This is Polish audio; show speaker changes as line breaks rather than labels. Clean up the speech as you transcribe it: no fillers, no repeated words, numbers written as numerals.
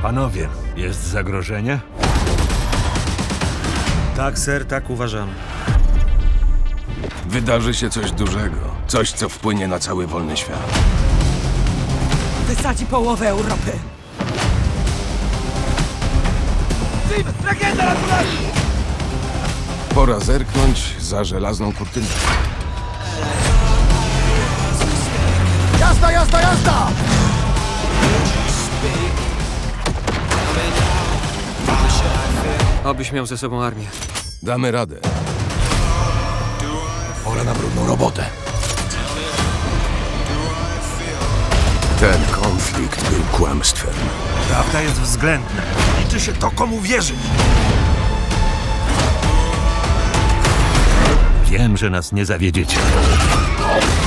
Panowie, jest zagrożenie?
Tak, ser, tak uważamy.
Wydarzy się coś dużego. Coś, co wpłynie na cały wolny świat.
Wysadzi połowę Europy.
Pora zerknąć za żelazną kurtynę.
Jazda, jazda, jazda!
Obyś miał ze sobą armię.
Damy radę.
Pora na brudną robotę.
Ten konflikt był kłamstwem.
Prawda jest względna. Liczy się to, komu wierzyć. Wiem, że nas nie zawiedziecie.